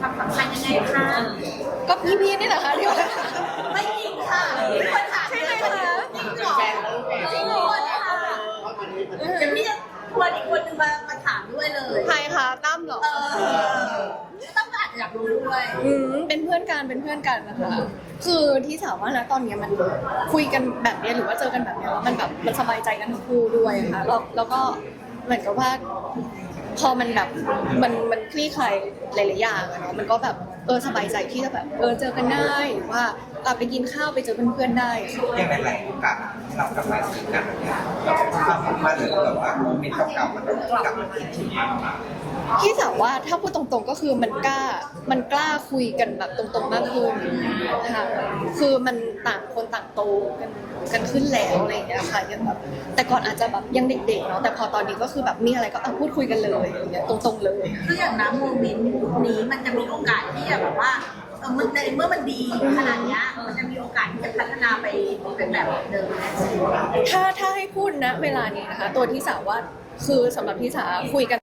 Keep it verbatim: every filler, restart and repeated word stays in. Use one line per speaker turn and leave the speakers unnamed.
ความสัมพันธ์ยังไงคะ
ก็พี่ๆนี่แหละค่ะที่ว่า
ไม่จริงค่ะมีคนถาม
ใช่ไหมคะ
จริงเหรอจริงเหรอค่ะเดี๋ยวพี่จะชวนอีกคนนึงมามาถามด้วยเลย
ใครคะตั้มเหรอ
เออต้องอาจจะอยากรู้ด้วย
อืมเป็นเพื่อนกันเป็นเพื่อนกันนะคะ คือที่สาวว่านะตอนเนี้ยมันคุยกันแบบเนี้ยหรือว่าเจอกันแบบเนี้ยแล้วมันแบบมันสบายใจกันทั้งคู่ด้วยค่ะแล้วแล้วก็เหมือนกับว่า พอมันแบบมันมันคลี่คลายหลายๆอย่างอะเนาะมันก็แบบเออสบายใจที่จะแบบเออเจอกันได้หรือว่าอ่ะไปกินข้าวไปเจอเพื่อนๆได้
อย่างหลายๆโอกาสที่เรากลับมาเจอกันเนี่ยเราทำมาหรือแบบว่าโมเมนต์เก่าๆมันกลับมาคิดถึงมากกว่า
พี่สาวว่าถ้าพูดตรงๆก็คือมันกล้ามันกล้าคุยกันแบบตรงๆมากขึ้นค่ะคือมันต่างคนต่างโตกันกันขึ้นแล้วอะไรอย่างเงี้ยค่ะยังแบบแต่ก่อนอาจจะแบบยังเด็กๆเนาะแต่พอตอนนี้ก็คือแบบมีอะไรก็เอาพูดคุยกันเลยอย่างเงี้ยตรงๆเลย
คืออย่างน้ำโมเมนต์นี้มันจะมีโอกาสที่จะแบบว่าเออมันในเมื่อมันดีขนาดเนี้ยมันจะมีโอกาสที่จะพัฒนาไปเป็นแบบเดิมไหม
ถ้าถ้าให้พูดนะเวลานี้นะคะ ตัวที่สาวว่าคือสำหรับที่สาคุยกัน